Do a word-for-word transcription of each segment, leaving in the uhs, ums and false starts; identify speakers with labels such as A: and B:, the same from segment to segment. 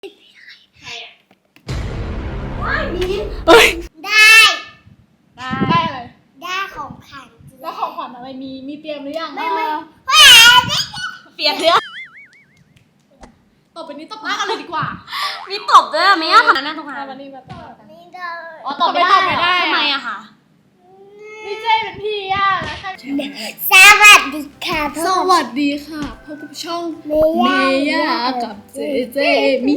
A: ใครอ่ะว้ายมีน
B: เอ้ย
A: ได้
B: ได้
C: ได้อะไร
A: ได้ของขวัญ
C: แล้วของขวัญอะไรมีมีเตรียมหรือยัง
A: ไม่ไม่
C: เออ
B: เปลี่ยนเรื่อง
C: ต่อไปนี้ตบหน้ากันเลยดีกว่า
B: มีตบด้วยไม่ยากขนาดนั้นตรงนั้
C: เอา
B: น
C: วันนี้มาต่อ
A: ไม่ได้
B: อ๋อตบไม่ได้
C: ตบไม่ได้
B: ทำไมอะคะ
C: นี่เจเป็นพี่ย่านะค่ะ
A: สวัสดีค่ะ
C: สวัสดีค่ะพบกับช่อง
A: เม
C: เม
A: ย่า
C: ย่ากับเจเจมิ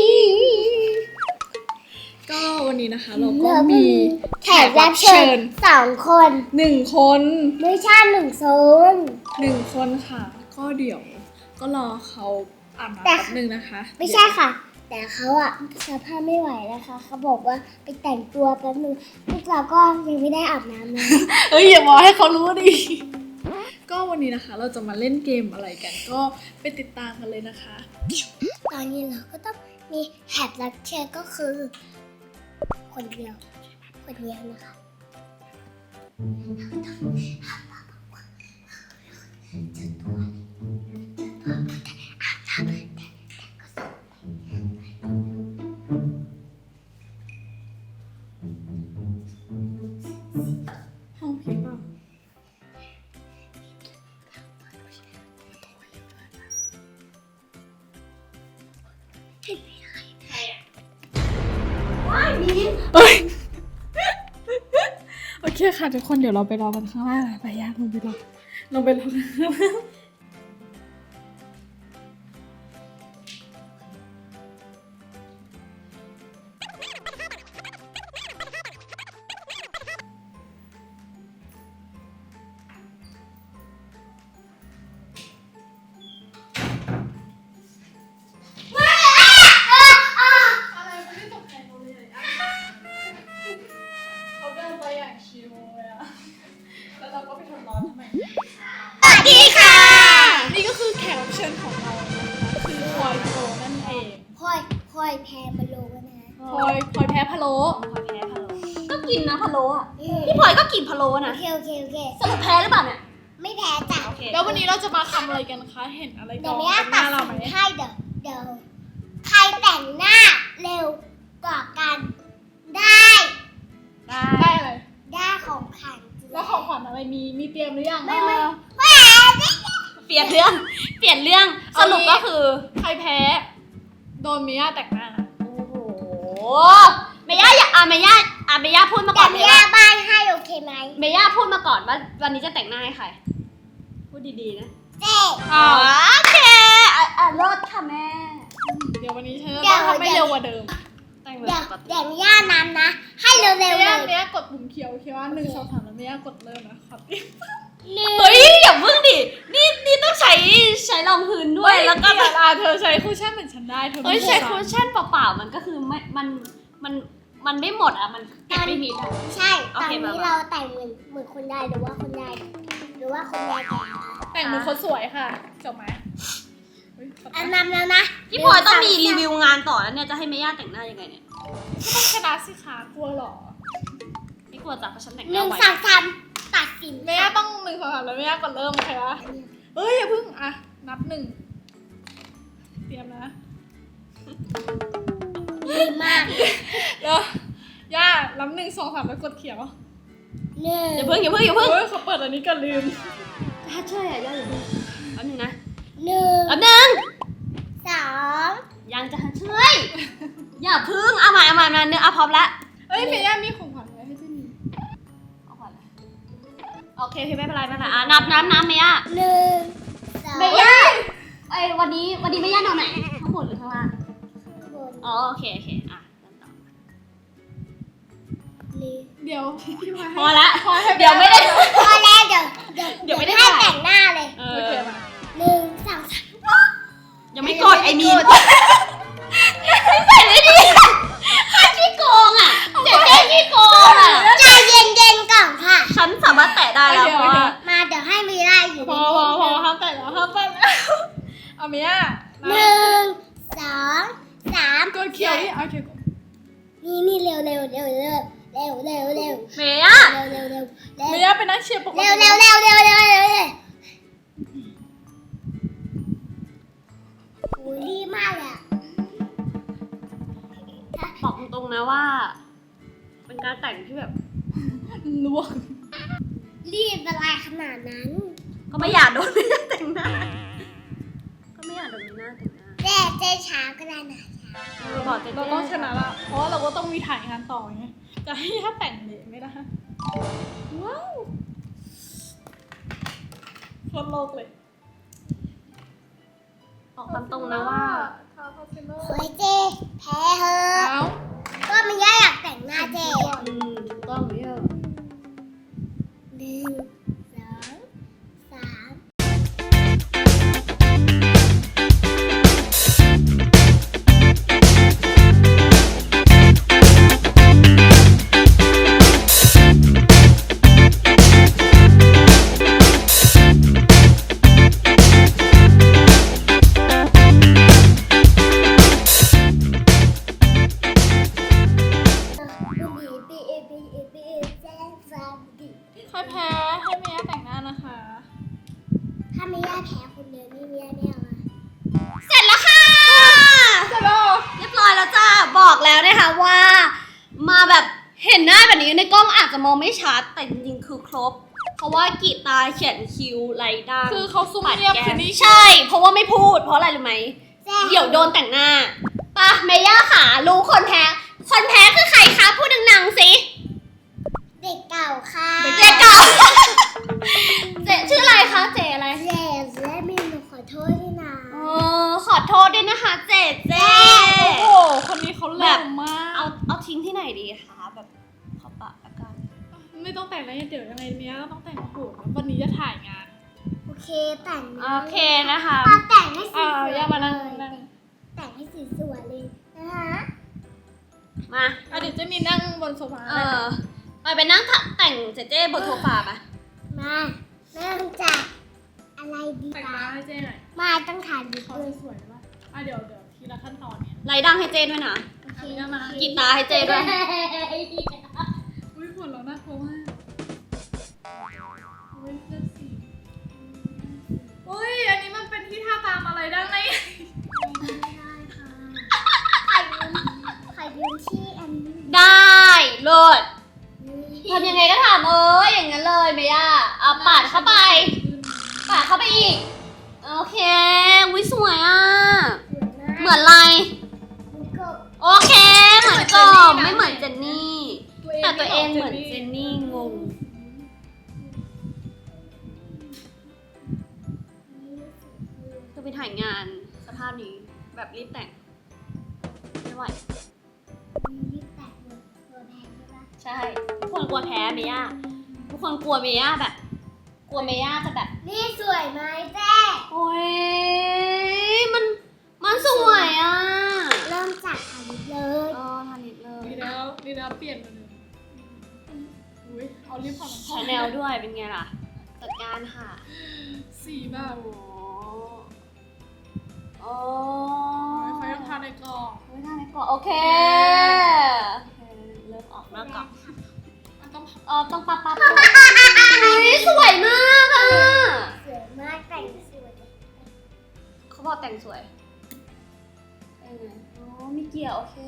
C: ก็วันนี้นะคะเราก็มี
A: แขกรับเชิญสองคน
C: หนึ่งคน
A: ไม่ใช่หนึ่งโซน
C: หนึ่งคนค่ะ ก็เดี๋ยวก็รอเขาอาบน้ำ
A: แต่
C: แป๊บนึงนะคะ
A: ไม่ใช่ค่ะ แต่เขาอะสภาพไม่ไหวนะคะเขาบอกว่าไปแต่งตัวแป๊บนึงพวกเราก็ยังไม่ได้อาบน้ำเลย
C: เอ้ยอย่าบอกให้เขารู้ดิ ก็วันนี้นะคะเราจะมาเล่นเกมอะไรกัน ก็ไปติดตามกันเลยนะคะ
A: ตอนนี้เราก็ต้องมีแขกรับเชิญก็คือ คนเดียวคนเดียวนะคะ
C: ห้องผีเปล่าเอ้ย โอเคค่ะทุกคนเดี๋ยวเราไปรอกันข้างล่างไปยากลงไปรอลงไปรอกันข้างล่างอะไรไม่ได้ตกใจเขาเลยอ่ะเขาเดินไปอย่างชิลเลยอ่ะแล้วเราก็ไปทำร้อนทำไม
A: สวัสดีค่ะ
C: นี่ก็คือแขกรับเชิญของเรานะคะคือพลอยโปรนั่นเอง
A: พลอยพลอยแพรมาโลนะ
C: พลอยพลอยแพ้พะโล้
B: พลอยแพ้พะโล้ก็กินนะพะโล้อะ
A: อืม
B: พี่พลอยก็กินพะโล้
A: โอ
B: นะ
A: เคโอเคโอเค
B: สรุปแพ้หรือเปล่าเนี่ย
A: ไม่แพ้จ้ะ
B: โอเค
C: แล้ววันนี้เราจะมาทำอะไรกันคะ เห็นอะไรก
A: เดี๋
C: อย ง
A: ว
C: บ
A: แม่
C: นห
A: ตั
C: น้า
A: ด
C: เรา
A: สิ
C: ไหม
A: นให้เดี๋ยวเดี๋ยวใครแต่งหน้าเร็วกว่ากันได้
B: ได้
C: ได้อะไร
A: ได้ของขวัญ
C: แล้วของขวัญอะไรมีมีเตรียมหรือยัง
A: ไม่ไม่
C: เออ
A: แพ้
B: เปลี่ยนเรื่อง เปลี่ยนเรื่อง สรุปก็คือ
C: ใครแพ้โดนมิย่าแต่งหน้า
B: โอ้โหเมย่าอยากอ่ะเมย่าอ่ะเมย่าพูดมาก่
A: แต่
B: อนเล
A: ไม่
B: ย
A: ได้
B: ว่า
A: บ้านให้โอเคไหม
B: เมย่าพูดมาก่อนว่าวันนี้จะแต่งหน้าให้ใคร พูดดีๆนะ
A: เจ๊
C: อ้าว
B: โอเคอ่ะอ่ะเลิศค่ะแม่
C: เดี๋ยววันนี้ฉันจะต้องทำให้เร็วกว่าเดิม
B: แต่งแบบ
A: เดี๋ยว
B: ปกติ
A: เดี๋ยวย่านั้นนะ ให้เร็วๆเล
C: มิ
A: ย
C: ย่ามิย่ากดปุ่มเขียวเขียวว่าหนึ่งสองสามแล้วมิย่ากดเริ่มนะครับ
A: หนึ่ง
B: เฮ้ยอย่าเพิ่งดิ นี่นี่ต้องใช้ใช้รองพื้นด้วย แล้วก็
C: เดี๋ยวอ่ะเธอใช้คุชชั่นเหมือนฉันได้เธอ
B: เฮ้ย
C: ไม่
B: ใช้
C: สั่
B: คุชชั่นเปล่าๆมันก็คือไม่ มัน มัน มันไม่หมดอ่ะ มันเก็บไม่มิดอ่ะ
A: ใช่
B: โอ
A: ตอน
B: เค
A: นี้
B: มา
A: เราแต่งเหมือนเหมือนคนได้หรือว่าคนได้หรือว่าคนได้แต่ง
C: แต่งเหมือนคนสวยค่ะจบไหมเฮ้ยขอโทษ
A: อันนำแล้วนะ
B: พี่พลอยต้องมีรีวิวงานต่อแล้วเนี่ย จะให้เมย่าแต่งหน้ายังไงเนี่ย
C: ก็ต้องชนะสิคะกลัวเหรอ
B: ไม่กลัวจ้ะเพราะฉันแต่งห
A: ห
B: น้า
A: นึ่ง
B: ไว้
A: สองสามตัดสิน
C: แม่ต้องหนึ่งสองสามแล้วแม่กดเริ่มโอเคปะเฮ้ยอย่าเพิ่งอ่ะนับหนึ่งเตรียมนะ
A: ดีมาก
C: เดี๋ยวย่านับหนึ่งสองสามแล้วกดเขียว
A: หนึ่ง
B: อย่าเพิ่งอย่าเพิ่งอย่าเพิ่ง
C: เฮ้ยเขาเปิดอันนี้กันลืม
B: ถ้าช่วยอ่ะย่าอย่าเพิ่งแป๊บนึงนะ
A: หนึ่ง
B: แป๊บนึง
A: สอง
B: ยังจะช่วย อย่าเพิ่งเอาใหม่เอาใหม่มาเนื้อเอาพร้อมละ
C: เฮ้ยเมย่ามีของขวัญอะไรให้เจนี่
B: เอาก่อนเลยโอเคโอเคไม่เป็นไรไม่เป็นไรอ่ะนับน้ำน้ำเมย่า
A: หนึ่งสอง
B: เมย่าไอ้ยวันนี้วันนี้เมย่านอนไหนข้างบนหรือข้างล่าง
A: บน
B: อ๋อโอเคโอเคอ่ะเริ่มต่อ
A: หนึ่ง
C: เดี๋ยวพี่พาย
B: พอละ
C: พอให้
B: เดี๋ยวไม่ได้
A: พอแล้วเดี๋ยวเดี๋ยว
B: เดี๋ยวไม่ได้
A: ให้
B: ถ่าย
A: แต่งหน้าเลย
B: เอ
C: โอ
B: อ
C: เคมา
A: หนึ่งสองสาม
B: ยังไม่กดไอ้มีนไม่ใส่เลยดิใครขี้โกงอ่ะเจ๊เจ๊ขี้โกงอ่ะ
A: ใจเย็นๆก่อนค่ะ
B: ฉันสามารถแตะได้แล้วเพราะว่า
A: มาเดี๋ยวให้มีได้อยู่
C: พอพอพอห้ามแต่งแล้วห้ามแต่งแล้วเอาเมย่า
A: หนึ่งสองสาม
C: กดเขียวดิเอาเขียวก่อน
A: นี่นี่เร็วเร็วเร็วเร็วเร็วเร็วเร็ว
B: เมย่า
A: เร็วเร็วเร็วเร็ว
C: เมย่าเป็นนักเชียร์ปกติ
A: เร็วเร็วเร็วเร็วเร็วเร็วเร็วโอ้ยรีบมากเลยอะ
B: นะว่า เป็นการแต่งที่แบบ
C: ลวก
A: รีบอะไรขนาดนั้น
B: ก็ไม่อยากโดนไม่น่าแต่งหน้า ก็ไม่อยากโดนไม่น่าแต่งหน้า
A: เจ๊เจ๊ช้าก็ได้นะช้า
B: เออบอกเจ๊
C: เราต้องชนะละเพราะว่าเราก็ต้องมีถ่ายงานต่อไงจะให้ถ้าแต่งเละไม่ได้ว้าวโคตรโลกเลย
B: บอกตามตรงนะว่า
C: ทาคอนซีลเลอร์
A: โอ้ยเจ๊แพ้เหอะ
C: เอ้า
A: ก็ไม่ย่าอยากแต่งหน้าเจ๊
B: อืมถูกต้องเยอะ
A: หนึ่งสองสาม
C: ใครแพ้ให้เมียแต่งหน้านะคะ
A: ถ้าไม่ย่าแพ้คนเดียวนี่ไม่ย่าไม่เอาอะ
B: เสร็จแล้วค่ะ
C: เสร็จแล้ว
B: เรียบร้อยแล้วจ้าบอกแล้วนะคะว่า มาแบบเห็นหน้าแบบนี้ในกล้องอาจจะมองไม่ชัด แต่จริงๆคือครบ เพราะว่ากีตาร์เขียนคิ้วไรด้าง
C: คือเขาซุ่มเงียบคืนนี้
B: ใช่ เพราะว่าไม่พูด เพราะอะไรรู้ไหม
A: แซ่
B: เดี๋ยวโดนแต่งหน้าปะเมย่าขารู้คนแพ้ คนแพ้คือใครคะ พูดดังๆสิ
A: เด็กเก่าค่ะ
B: เจ๊เก่า เจ๊ชื่ออะไรคะ เจ๊อะไร
A: เจ๊และมีหนูขอโทษด้วยนะ
B: เออขอโทษด้วยนะคะ เจ๊เจ๊
C: โอ้โหคนนี้เขาแรงมาก
B: เอาเอาทิ้งที่ไหนดีคะ แบบขอปะละกัน
C: ไม่ต้องแต่งแล้วเดี๋ยวยังไงเมียก็ต้องแต่งโหดวันนี้จะถ่ายงาน
A: โอเคแต่ง
B: โอเคนะคะ
A: เอาแต่งให้ส
C: อ่า
A: วยๆ
C: ย่ามานั่ง
A: เลย
C: นั่ง
A: แต่งให้สวยๆเลยนะคะ
B: มา
C: อ่ะเดี๋ยวจะมีนั่งบนโซฟา
B: เออไปไปนั่งถักแต่งเจ๊เจ๊บนโซฟาปะ
A: มาเริ่มจากอะไรดี
C: แต่ง
A: คะ
C: หน้าให้เจ๊หน่อย
A: มาต้องถ่ายดี
C: เขา
A: เลย
C: จะสวยไหมอ่ะเดี๋ยวเดี๋ยวทีละขั้นตอนเนี่ย
B: ไรดังให้เจ๊ด้วยนะ
A: โอเค
C: อันนี้มา
B: กีตาร์ให้เจ๊ด้วย
C: อุ้ยหัวเราะน่ากลัวมากอุ้ยเลือกสีอุ้ยอันนี้มันเป็นที่ท่าตามอะไรได้ไหม
A: ไม่ได้ค่ะใครยืมใครยืมที่อันนี้
B: ได้เลิศทำยังไงก็ทำเอออย่างนั้นเลยเมย่าเอาปาดเข้าไปปาดเข้าไปอีก โอเควิสวยอ่ะ
A: สวยมาก
B: เหมือนอะไร
A: มันก็
B: โอเค เหมือนกบไม่เหมือนเจนนี่ แต่ตัวเองเหมือนเจนนี่งง จะไปถ่ายงานสภาพนี้แบบรีบแต่ง ไม่ไหว
A: มียึดแตกหมดตัวแพงใช่ปะ
B: ใช่ ทุกคนกลัวแพ้เมย่าทุกคนกลัวเมย่าแบบ กลัวเมย่าจะแบบ
A: นี่สวยไหมเจ๊
B: โอ้ยมันมันสวยอ่ะ
A: เริ่มจากทาลิปเลย
B: เออทานิดเลย
C: ดีแล้วดีแล้วเปลี่ยนมาเลยอุ้ยเอาลิปของ
B: ชาแนลด้วยเป็นไงล่ะ จัดการค่ะ
C: สีแบบ
B: โอ้โอ้
C: เขายังทาในกล่อง
B: ไม่ทาในกล่องโอเคเริ่มออกหน้ากล่อง
C: มันต้อง
B: เออต้องปั๊บปั๊บอุ๊ยสวยมากอ่ะ
A: สวยมากแต่งสวย
B: เขาบอกแต่งสวยเอออ๋อมีเกียร์โอเค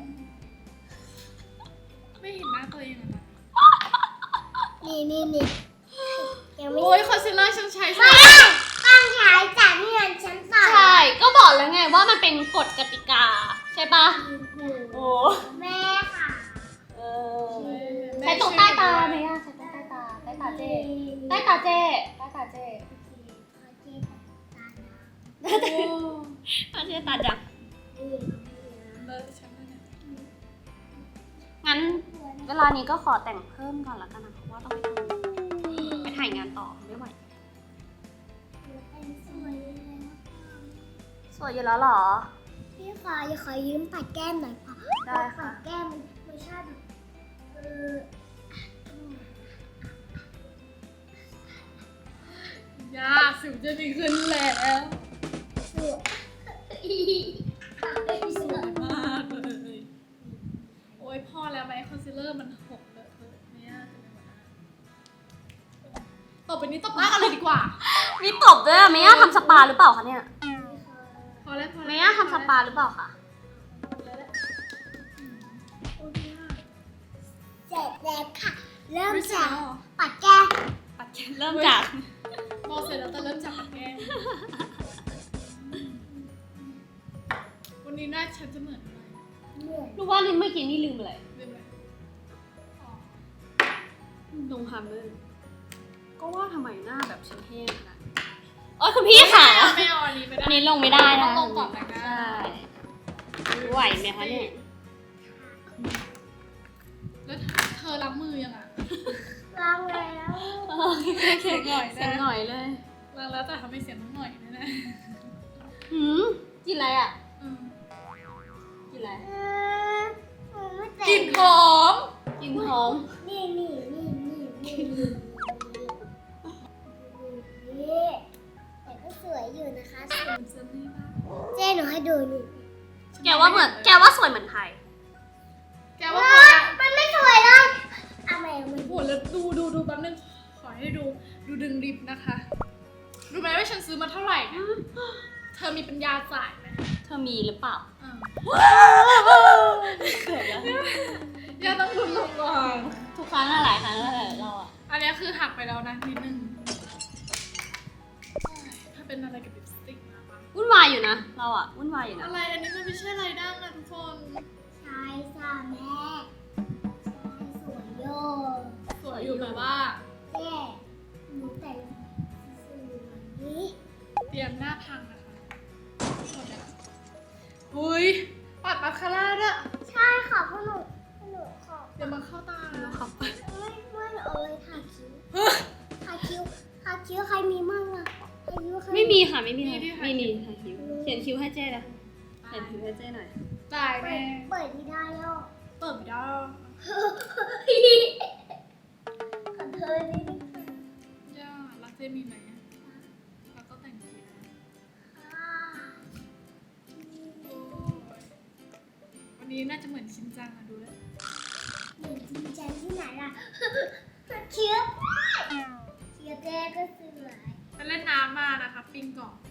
C: ไม่เห็นหน้าตัวเองอะนะ
A: นี่นี่นี่ยังไม่
C: โอ้ยคอนซีลเลอร์ฉันใช้
A: ไม่ต้องใช้จากเงินฉันต่อ
B: ใช่ ก็บอกแล้วไงว่ามันเป็นกฎกติกา ใช่ปะโอ้
A: แม่ค่ะ
B: เออใช้ตรงใต้ตาไหมอะใช้ตรงใต้ตา ใต้ตาเจ๊ใต้ตาเจ๊ใต้ตาเจ๊
A: ขอเจ๊ตาด
C: โอ้
B: ตาเจ๊ตาจัง
A: ำนี่
C: เลอะฉันเลยเนี่ย
B: งั้นเวลานี้ก็ขอแต่งเพิ่มก่อนละกันนะเพราะว่าต้องไปทำไปถ่ายงานต่อไม่ไหว
A: เป็นสวยเลยนะ
B: สวยอยู่แล้วเหรอ
A: พี่ขออย่าขอยืมปัดแก้มหน่อยค่ะ
B: ได้ค่ะ
A: ปัดแก้มมันไม่ชอบเออย
C: าสิวจะดีขึ้นแล้ว
A: สวยสวย
C: มากเลยโอ้ยพอแล้วไหมคอนซีลเลอร์มันหกเลอะเทอะเนี่ยต่อไปนี้ตบหน้ากันเลยดีกว่า
B: มีตบด้วยอะเมย่าทำสปาหรือเปล่าคะเนี่ย
C: พอแล้วพอแล้ว
B: เมย่าทำสปาหรือเปล่าคะ
C: โ
A: เริ่ม
C: ไม่ใช่
A: จาก
C: เหรอ
A: ปัดแก้ม
B: ปัดแขนเริ่มจาก
C: บอกเสร็จแล้วแต่เริ่มจากแก้มวันนี้หน้าฉันจะเหมือนอะไร
A: เหนื่อย
B: รู้ว่านี่เมื่อกี้นี่ลืมอะไร
C: ลืมไหมอ๋อ
B: ลงทำเลยก็ว่าทำไมหน้าแบบฉันแห้งขนาดนี้โอ้ยคุณพี่ค่ะ
C: ไม่เอาอันนี้ไม่ได้
B: อันนี้ลงไม่ได้นะ
C: ต้องลงก่อนนะ
B: ใช่ไหวไหมคะเนี่ย
C: แล้วเธอล้างมือยังอ่ะ
A: ล้างแล้ว
C: เสียงหน่อย
B: เสียง
C: นะ
B: หน่อยเลย
C: ล้างแล้วแต่ทำให้เสียงน้องหน่อยนะนะ
B: หืมกินอะไรอ่ะ
C: อืม
B: กินอะไร
A: เออหนูไม่แต่ง
C: กลิ่นหอม
B: กินหอม
A: นี่นี่นี่นี่นี่นี่นี่แต่ก็สวยอยู่นะคะสวยเจ๊หนูให้ดูนี่
B: แกว่าเหมือนแกว่าสวยเหมือนไทย
C: แกว่า
A: ว้ามันไม่สวยเลยเอาใหม่เอาใหม่
C: โอ้โหแล้วดูดูดูแป๊บนึงขอให้ดูดูดึงริบนะคะรู้ไหมว่าฉันซื้อมาเท่าไหร่เนี่ยเธอมีปัญญาจ่ายไหม
B: เธอมีหรือเปล่า
C: อ่า
B: เกิดแล้ว
C: อย่าต้องลุ้นลงก่อน
B: ทุกครั้งอะหลายครั้งแล้วแหละเราอะ
C: อันนี้คือหักไปแล้วนะนิดนึงถ้าเป็นอะไรกับลิปสติกนะปะ
B: วุ่นวายอยู่นะเราอะวุ่นวายอยู่นะ
C: อะไรอันนี้มันไม่ใช่อะไรดั้งนะทุกคน
A: ใช่จ้าแม่ใช่สวยโย
C: สวยอยู่แบบว่า
A: เจ๊หนูแต่งสวยนี้
C: เตรียมหน้าพังนะคะหมดแล้วอุ้ยปัดมาคาร่าด้วย
A: ใช่ค่ะพวกหนูพวกหนูขอ
C: เดี๋ยวมาเข้าตาแล้ว
B: ขับไป
A: ไม่ไม่เอาเลยทาคิ้วทาคิ้วทาคิ้วใครมีมั่งอะทาคิ้วใคร
B: ไม่มีค่ะไม่มีค่ะไม่มีค่ะคิ้วเขียนคิ้วให้เจ้นะเขียนคิ้วให้เจ้หน่อย
C: จ่าย
A: เปิ
C: แน่
A: ดเปิดไม่ได้ย่อ
C: เปิดไม่ได้
A: ขอเธอได้ไหมคะ
C: ย่ารักเจมีไหมแล้วก็แต่งคิ้ว
A: อ่า
C: โอ้ยวันนี้น่าจะเหมือนชินจังอะดูแล้ว
A: เหมือนจริงจังที่ไหนล่ะเคี้ยวเคี้ยวเจ๊ก็สวย
C: ไปเล่นน้ำมานะคะปิงก่อน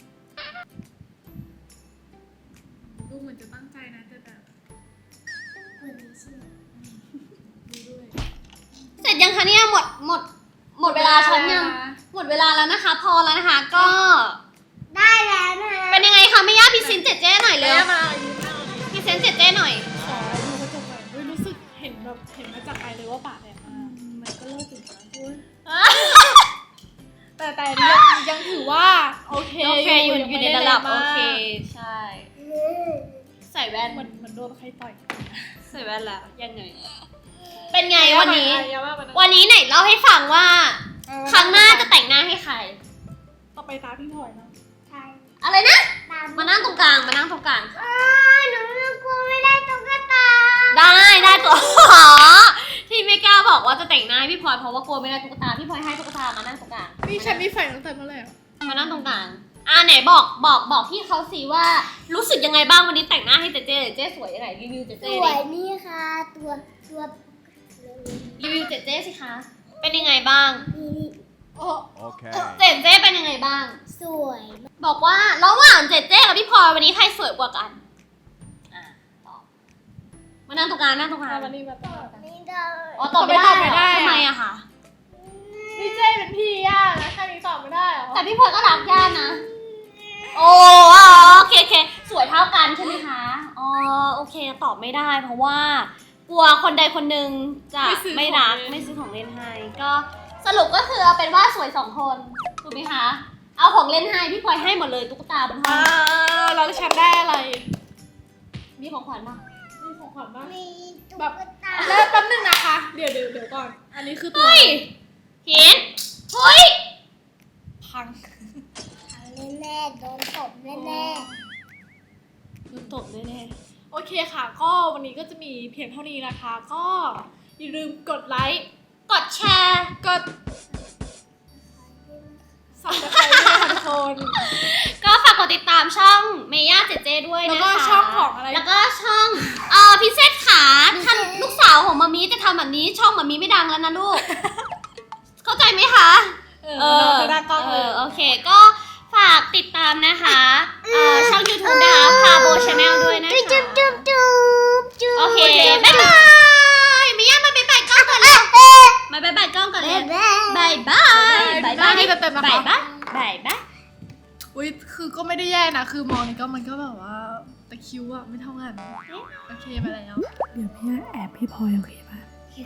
C: ดูเหมือนจะตั้งใจนะแต่แบบ
A: คนนี้ใช่ไหม
C: ดูด้วย
B: เสร็จยังคะเนี่ยหมดหมดหมดเวลาฉันยังหมดเวลาแล้วนะคะ พอแล้วนะคะ ก็
A: ได้แล้วนะ
B: เป็นยังไงคะไม่ยากพรีเซนต์เจ๊เจ้หน่อยเร็ว
C: แล้วมายืนหน้า
B: พรีเซนต์เจ๊เจ้หน่อย
C: ขอดูกระจกหน่อยเฮ้ยรู้สึกเห็นแบบเห็นมาจากไกลเลยว่าปากแดงมากมันก็เลิกถึงนะอุ๊ยแต่แต่ยังยังถือว่าโอเค
B: โอเคอยู่
C: ยัง
B: อยู่
C: ไม่
B: ใน
C: ไ
B: ระดับ
C: แง
B: โอ
C: มาก
B: เคใช่
A: อืม
B: ใส่แว่น
C: เหมือนเหมือนโดนใครต่อย
B: ใส่แว่นแล้วยังไงเป็นไงวันนี้
C: อย่าว่ามันนะ
B: วันนี้ไหนเล่าให้ฟังว่าครั้งหน้าจะแต่งหน้าให้ใคร
C: ต่อไปตาพี่พลอยนะ
A: ใช่
B: อะไรนะ
A: ตาม
B: มานั่งตรงกลางมานั่งตรงกลาง
A: อ้าหนูกลัวไม่ได้ตุ๊กตา
B: ได้ได้ตัว อ๋อที่ไม่กล้าบอกว่าจะแต่งหน้าให้พี่พลอยเพราะว่ากลัวไม่ได้ตุ๊กตาพี่พลอยให้ตุ๊กตามานั่งตรงกลาง
C: นี่ฉันมีไฟตั้งแต่เมื่อไหร่อะ
B: มานั่งตรงกลางอ่าไหนบอกบอกบอกพี่เขาสิว่ารู้สึกยังไงบ้างวันนี้แต่งหน้าให้เจเจเจสวยยังไงรีวิวเจ
A: ส
B: เจ
A: ว
B: ดิ
A: ยนี่ค่ะ ตัวตัว
B: รีวิวเจเจสิคะเป็นยังไงบ้าง
A: นี่นี่
C: โอ้
D: Okay.
B: เจเจเป็นยังไงบ้าง
A: สวย
B: บอกว่าระหว่างเจเจกับพี่พลอยวันนี้ใครสวยกว่ากันอ่ะตอบมานั่งตรงกลางนั่งตรงกลาง
C: วันนี้มาต่อ
A: นี่ได้
B: อ๋อตอบไม่ได้
C: ตอบไม่ได้
B: เหรอ
C: อะ
B: ทำไมอะคะ
C: พี่เจเป็นพี่ย่านะแค่นี้ตอบไม่ได้เหรอ
B: แต่พี่พลอยก็รักย่านะ โอ้อ๋อโอเคโอเคสวยเท่ากันใช่ไหมคะอ๋อโอเคตอบไม่ได้ เพราะว่ากลัวคนใดคนหนึ่งจะไม่รักไม่ซื้อของเล่นให้ก็สรุปก็คือเอาเป็นว่าสวยสองคนถูกไหมคะเอาของเล่นให้พี่พลอยให้หมดเลยตุ๊กตาบนห้อ
C: อ่าง แล้วฉันได้อะไร
B: มีของขวัญป่ะ
C: นี่ของขวัญบ้าง
A: มีตุ๊
C: แบบ
A: กตา
C: แล้วแป๊บนึงนะคะ เดี๋ยวเดี๋ยวเดี๋ยวก่อน อันนี้คือตัว
B: เฮ้ยเห็นเฮ้ย
C: พัง
A: แน่ๆโดนตบแน่
B: โดนตบแน่
C: โอเคค่ะ ก็วันนี้ก็จะมีเพียงเท่านี้นะคะ ก็อย่าลืมกดไลค์
B: ๆกดแชร์
C: กดสับตะไคร้ด้วยค่ะทุกคน
B: ก็ฝากกดติดตามช่องเมย่าเจเจด้วยนะคะ
C: แล้วก็ช่องของอะไร
B: แล้วก็ช่องเอ่อพิเศษขาท่านลูกสาวของมามีจะทำแบบนี้ช่องมามีไม่ดังแล้วนะลูก เข้าใจไหมคะ
C: เออเออหน้ากล้อง
B: เอ
C: เลย
B: อโอเคก็ฝากติดตามนะคะเอ่อช่อง YouTube นะคะพาโบชาแนลด้วยนะ
A: ๆจุ๊บ
B: คะ
A: จุ๊บจุ๊บจุ๊บ
B: โอเคบ๊ายบายเมย่ามาไปไปก่อนก่อนเลย
A: เอ๊ะ
C: ให้
B: ดิ
C: เต็มๆนะคะ
B: บ่ายปะบ่ายปะ
C: อุ้ยคือก็ไม่ได้แย่นะ คือมองนี่ก็มันก็แบบว่าตะคริวอะไม่เท่ากันโอเคไปแล้ว เดี๋ยวพี่แอบพี่พลอยโอเคป่ะ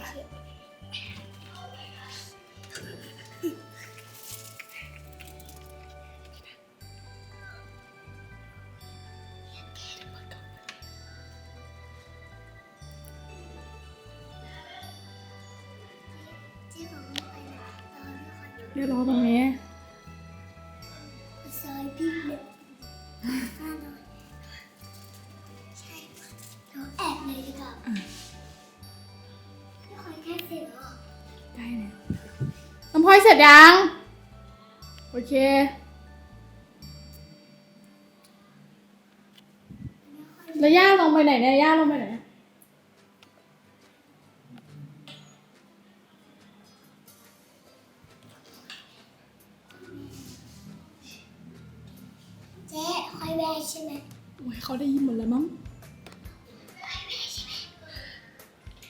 A: เจ๊บอกว่าไปนะตอนที่คอนโด
C: เดี๋ยวรอตรงนี้
A: ซอยพี่เนี่ยห้าร้อยใช่เราแอบเลยดีกว่าพี่คอยแค่เสร็จเหรอ
C: ใกล้แล้วน้ำพลอยเสร็จยัง โอเค แล้วย่าลงไปไหนเนี่ย ย่าลงไปไหน
A: เจ๊คอยแวะใช่ไหม
C: โอ้ยเขาได้ยินหมดแล้วมั้ง